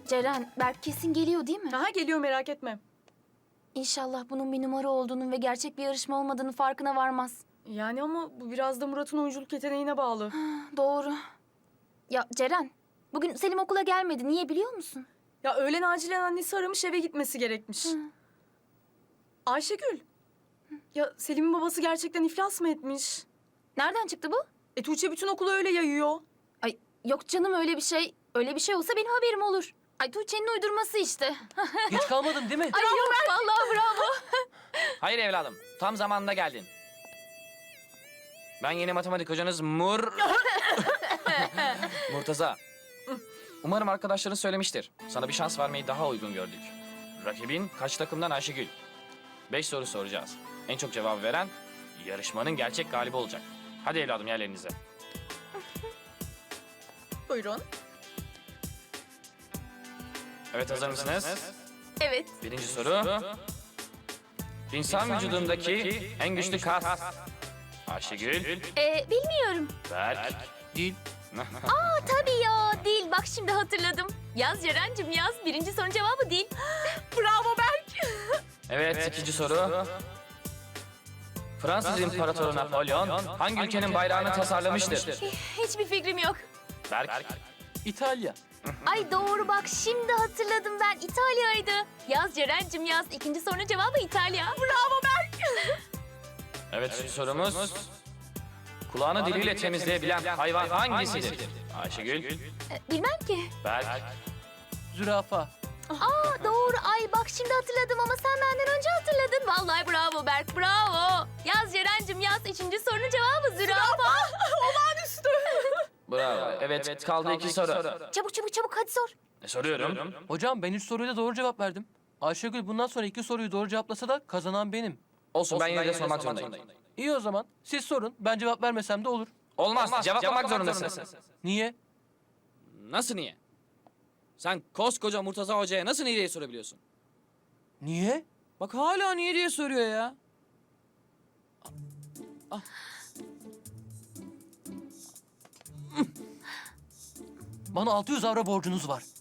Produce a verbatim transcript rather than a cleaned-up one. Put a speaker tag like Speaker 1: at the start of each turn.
Speaker 1: Ceren, Berk kesin geliyor değil mi?
Speaker 2: Aha geliyor, merak etme.
Speaker 1: İnşallah bunun bir numara olduğunun ve gerçek bir yarışma olmadığının farkına varmaz.
Speaker 2: Yani ama bu biraz da Murat'ın oyunculuk yeteneğine bağlı.
Speaker 1: Doğru. Ya Ceren, bugün Selim okula gelmedi. Niye biliyor musun?
Speaker 2: Ya öğlen acilen annesi aramış, eve gitmesi gerekmiş.
Speaker 1: Hı.
Speaker 2: Ayşegül. Ya Selim'in babası gerçekten iflas mı etmiş?
Speaker 1: Nereden çıktı bu?
Speaker 2: E Tuğçe bütün okulu öyle yayıyor.
Speaker 1: Ay yok canım öyle bir şey. Öyle bir şey olsa benim haberim olur. Ay Tuğçe'nin uydurması işte.
Speaker 3: Geç kalmadın değil mi?
Speaker 1: Ay yok vallahi bravo.
Speaker 4: Hayır evladım, tam zamanında geldin. Ben yeni matematik hocanız Mur... Murtaza. Umarım arkadaşların söylemiştir. Sana bir şans vermeyi daha uygun gördük. Rakibin kaç takımdan Ayşegül? Beş soru soracağız. En çok cevabı veren yarışmanın gerçek galibi olacak. Hadi evladım yerlerinize.
Speaker 2: Buyurun.
Speaker 4: Evet hazır mısınız?
Speaker 1: Evet.
Speaker 4: Birinci soru. İnsan vücudundaki en güçlü kas. Ayşegül,
Speaker 1: Ee, bilmiyorum.
Speaker 4: Berk,
Speaker 3: Değil.
Speaker 1: Aa tabii ya değil. Bak şimdi hatırladım. Yaz Ceren'cim yaz. Birinci sorunun cevabı değil.
Speaker 2: Bravo Berk.
Speaker 4: Evet, ikinci soru. Fransız İmparatoru Napolyon hangi ülkenin bayrağını tasarlamıştır?
Speaker 1: Hiçbir fikrim yok.
Speaker 4: Berk,
Speaker 3: İtalya.
Speaker 1: Ay doğru bak şimdi hatırladım ben. İtalya'ydı. Yaz Ceren'cim yaz. İkinci sorunun cevabı İtalya. Bravo Berk.
Speaker 4: evet üçüncü sorumuz. Kulağını diliyle temizleyebilen hayvan hangisidir? Ayşegül,
Speaker 1: Ee, bilmem ki.
Speaker 4: Berk,
Speaker 3: Zürafa.
Speaker 1: Aa doğru. Ay bak şimdi hatırladım ama sen benden önce hatırladın. Vallahi bravo Berk bravo. Yaz Ceren'cim yaz. Üçüncü sorunun cevabı zürafa.
Speaker 4: bravo. Evet, kaldı iki soru.
Speaker 1: Çabuk çabuk çabuk hadi sor.
Speaker 4: E, soruyorum.
Speaker 3: Hocam ben üç soruya da doğru cevap verdim. Ayşegül bundan sonra iki soruyu doğru cevaplasa da kazanan benim.
Speaker 4: Olsun, ben yine de sormak zorundayım.
Speaker 3: İyi o zaman. Siz sorun. Ben cevap vermesem de olur.
Speaker 4: Olmaz, cevaplamak zorundasın.
Speaker 3: Niye?
Speaker 5: Nasıl niye? Sen koskoca Murtaza Hoca'ya nasıl niye diye sorabiliyorsun?
Speaker 3: Niye?
Speaker 5: Bak hala niye diye soruyor ya.
Speaker 3: Bana altı yüz avro borcunuz var.